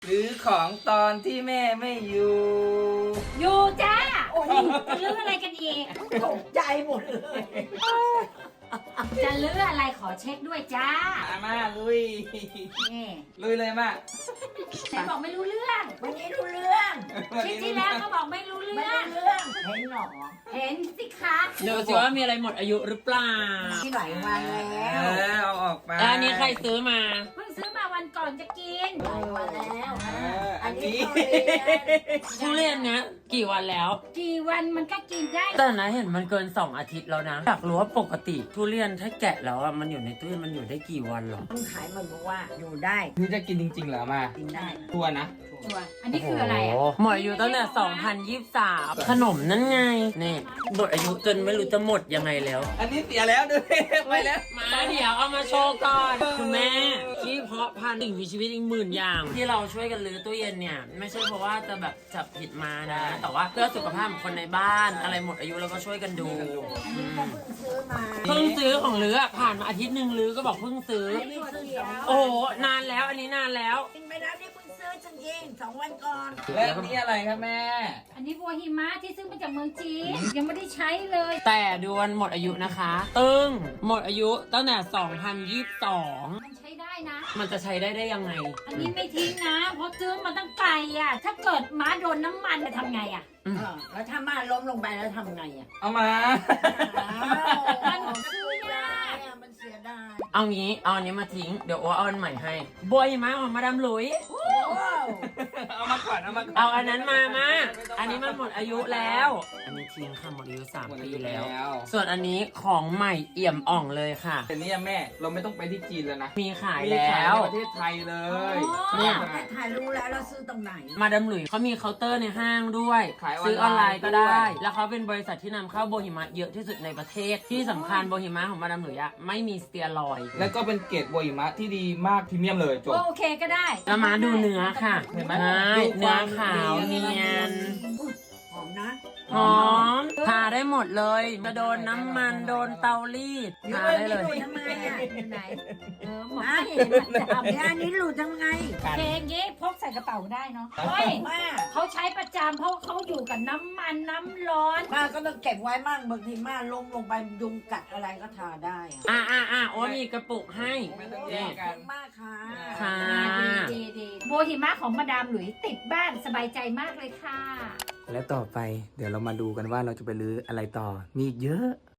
หรือของตอนที่แม่ไม่อยู่อยู่จ้าโอ้ยจะลื้ออะไรกันอีกตกใจหมดเลยจะลื้ออะไรขอเช็คด้วยจ้ามาลุยนี่ลุยเลยมาไหนบอกไม่รู้เรื่องวันนี้รู้เรื่องคลิปที่แล้วก็บอกไม่รู้ไม่เรื่องรู้เรื่องเห็นหรอเห็นสิคะดูสิว่ามีอะไรหมดอายุหรือเปล่าที่หลายวันแล้วเอาออกไปแล้วอันนี้ใครซื้อมาเพิ่งซื้อมาวันก่อนจะกินหลายวันแล้วอันนี้ทุเรียนเนี้ยกี่วันแล้วกี่วันมันก็กินได้แต่นะเห็นมันเกิน2 อาทิตย์แล้วนะอยากรู้ว่าปกติทุเรียนถ้าแกะแล้วอะมันอยู่ในตู้เย็นมันอยู่ได้กี่วันหรอต้องขายมันบอกว่าอยู่ได้นี่จะกินจริงๆเหรอมากินได้ทัวร์นะตัวอันนี้คืออะไรอ่ะหมดอายุตั้งแต่2023ขนมนั่นไงนี่หมดอายุจนไม่รู้จะหมดยังไงแล้วอันนี้เสียแล้วด้วยไปแล้วมาเดี๋ยวเอามาโชว์ก่อนคุณแม่ที่เพาะพันธุ์สิ่งมีชีวิตอีก10,000 อย่าง ที่เราช่วยกันรื้อตู้เย็นเนี่ยไม่ใช่เพราะว่าจะแบบจับผิดมานะ แต่ว่าเพื่อสุขภาพของคนในบ้านอะไรหมดอายุเราก็ช่วยกันดูก็เพิ่งซื้อมาเพิ่งซื้อของลืออะผ่านมาอาทิตย์หนึ่งลือก็บอกเพิ่งซื้อไม่ซื้อเดียวโอ้โหนานแล้วอันนี้นานแล้วกินไปแล้วนี่เพิ่งซื้อจริงๆ2 วันก่อนและนี่อะไรครับแม่อันนี้บัวหิมะที่ซื้อมาจากเมืองจีนยังไม่ได้ใช้เลยแต่ดูวันหมดอายุนะคะ ตึงหมดอายุตั้งแต่2022 มันใช้ได้นะมันจะใช้ได้ยังไงอันนี้ไม่ทิ้งนะ เพราะซื้อมาตั้งไกลอ่ะ ถ้าเกิดม้าโดนน้ำมันจะทำไงอ่ะแล้วถ้ามาล้มลงไปแล้วทำไงอ่ะเอามามันซื้อยากมันเสียดายเอางี้เอาอันนี้มาทิ้งเดี๋ยวโอเอาอันใหม่ให้บวยมาของมาดามหลุยเอามาก่อนเอามาก่อนเอาอันนั้นมาอันนี้มันหมดอายุแล้ว อันนี้ทิ้งค่ะหมดอายุ3 ปีแล้ว ส่วนอันนี้ของใหม่เอี่ยมอ่องเลยค่ะแต่นี่แม่เราไม่ต้องไปที่จีนแล้วนะมีขายมีแล้ขายในวประเทศไทยเลยเนี่ยถ่ายรู้แล้วเราซื้อตรงไหนมาดามหลุยเขามีเคาน์เตอร์ในห้างด้วยขายซื้อออนไลน์ก็ด้ได้วยแล้วเขาเป็นบริษัทที่นำเข้าโบฮิมะเยอะที่สุดในประเทศ ที่สำคัญโบฮิมะของมาดามหลุยอะไม่มีสเตียรอยด์แล้วก็เป็นเกรดโบหิมะที่ดีมากพรีเมียมเลยจบโอเคก็ได้แล้วมาดูเนื้อค่ะเห็นไหมใช่ดูคเนื้อวามขาวเนียนหอมนะหอมทาได้หมดเลยจะโดนน้ำมันโดนเตารีดทาได้เลยทำไมอ่ะอยู่ไหน หมออ่ะเห็นประจำเนี่ยอันนี้หลุดทำไงเพลงนี้พกใส่กระเป๋าได้เนาะเฮ้ยว่าเขาใช้ประจำเพราะเขาอยู่กับน้ำมันน้ำร้อนป้าก็ต้องเก็บไว้มั่งบางทีม่าล้มลงไปยุงกัดอะไรก็ทาได้อะโอ้มีกระปุกให้ไม่ต้องแยนี่กกันมากค่ะค่ะดีโบหิมะของมาดามหลุยติดบ้านสบายใจมากเลยค่ะและต่อไปเดี๋ยวเรามาดูกันว่าเราจะไปรื้ออะไรต่อ มีอีกเยอะ